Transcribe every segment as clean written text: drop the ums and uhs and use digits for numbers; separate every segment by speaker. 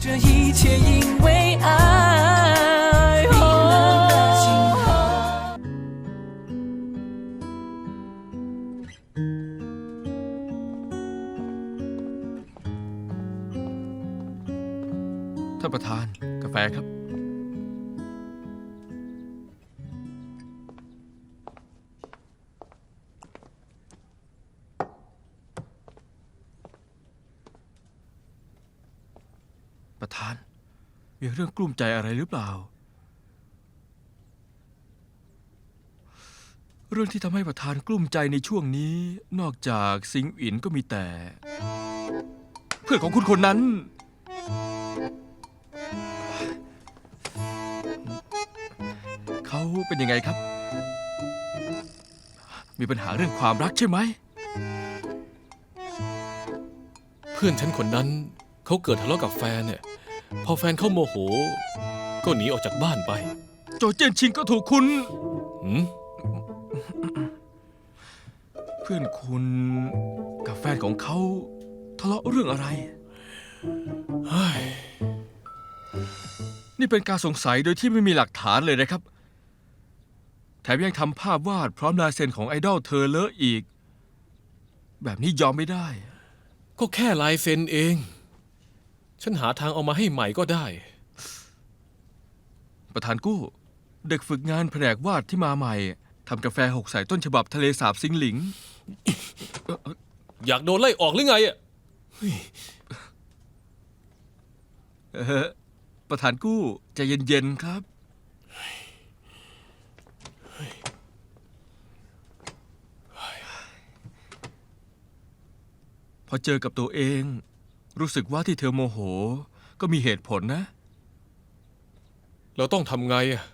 Speaker 1: 这一切因为爱。冰冷的星河。
Speaker 2: ท่านประธานกาแฟครับประธานมีเรื่องกลุ้มใจอะไรหรือเปล่าเรื่องที่ทำให้ประธานกลุ้มใจในช่วงนี้นอกจากซิงอินก็มีแต่เพื่อนของคุณคนนั้นเขาเป็นยังไงครับมีปัญหาเรื่องความรักใช่ไหม
Speaker 3: เพื่อนฉันคนนั้นเขาเกิดทะเลาะกับแฟนเนี่ยพอแฟนเขาโมโหก็หนีออกจากบ้านไป
Speaker 2: โจเจี้ยนชิงก็ถูกคุณเพื่อนคุณกับแฟนของเขาทะเลาะเรื่องอะไรนี่เป็นการสงสัยโดยที่ไม่มีหลักฐานเลยนะครับแถมยังทำภาพวาดพร้อมลายเซ็นของไอดอลเธอเลอะอีกแบบนี้ยอมไม่ได้
Speaker 3: ก็แค่ลายเซ็นเองฉันหาทางเอามาให้ใหม่ก็ได้
Speaker 2: ประธานกู้เด็กฝึกงานแผนกวาดที่มาใหม่ทำกาแฟหกใส่ต้นฉบับทะเลสาบซิงหลิง
Speaker 3: อยากโดนไล่ออกหรือไงอะ
Speaker 2: ประธานกู้ใจเย็นๆครับพอเจอกับตัวเองรู้สึกว่าที่เธอโมโหก็มีเหตุผลนะ
Speaker 3: เราต้องทำไงอะ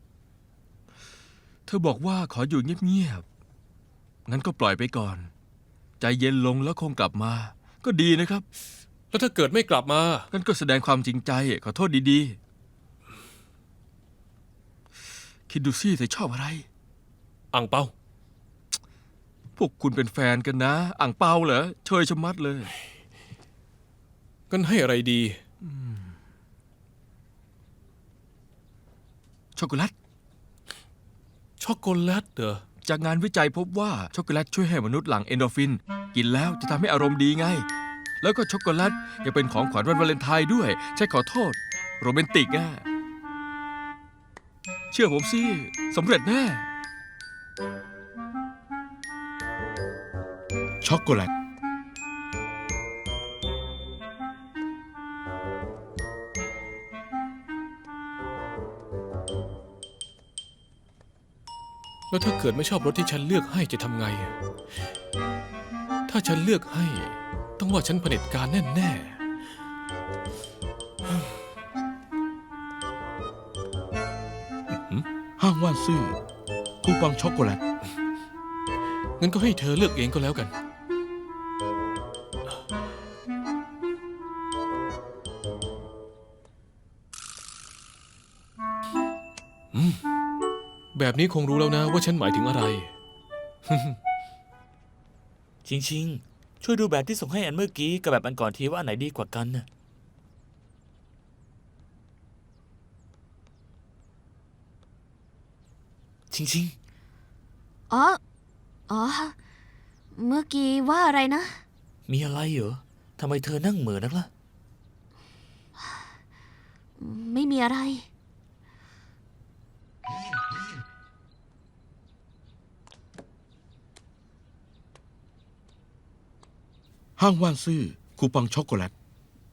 Speaker 2: เธอบอกว่าขออยู่เงียบๆงั้นก็ปล่อยไปก่อนใจเย็นลงแล้วคงกลับมาก็ดีนะครับ
Speaker 3: แล้วถ้าเกิดไม่กลับมา
Speaker 2: งั้นก็แสดงความจริงใจขอโทษดีๆคิดดูสิเธอชอบอะไร
Speaker 3: อั่งเปา
Speaker 2: พวกคุณเป็นแฟนกันนะอั่งเปาเหรอเชยชะมัดเลย
Speaker 3: กันให้อะไรดี
Speaker 2: ช็อกโกแลต
Speaker 3: ช็อกโกแลตเหรอ
Speaker 2: จากงานวิจัยพบว่าช็อกโกแลตช่วยให้มนุษย์หลั่งเอนโดรฟินกินแล้วจะทำให้อารมณ์ดีไงแล้วก็ช็อกโกแลตยังเป็นของขวัญวันวาเลนไทน์ด้วยใช่ขอโทษโรแมนติกอ่ะเชื่อผมสิสำเร็จแน่ช็อกโกแลต
Speaker 3: แล้วถ้าเกิดไม่ชอบรถที่ฉันเลือกให้จะทำไงถ้าฉันเลือกให้ต้องว่าฉันเผด็จการแน่
Speaker 2: ห้างว่านซื่อคูปองช็อกโกแลต
Speaker 3: งั้นก็ให้เธอเลือกเองก็แล้วกันแบบนี้คงรู้แล้วนะว่าฉันหมายถึงอะไร
Speaker 4: ชิงช่วยดูแบบที่ส่งให้อันเมื่อกี้กับแบบอันก่อนทีว่าอันไหนดีกว่ากันน่ะชิง
Speaker 5: อ๋อเมื่อกี้ว่าอะไรนะ
Speaker 4: มีอะไรเหรอทำไมเธอนั่งเหม่อนักล่ะ
Speaker 5: ไม่มีอะไร
Speaker 2: ห้างว่านซื่อคูปองช็อกโกแลต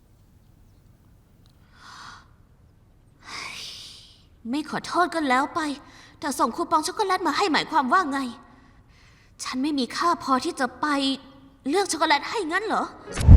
Speaker 5: ไม่ขอโทษก็แล้วไปแต่ส่งคูปองช็อกโกแลตมาให้หมายความว่าไงฉันไม่มีค่าพอที่จะไปเลือกช็อกโกแลตให้งั้นเหรอ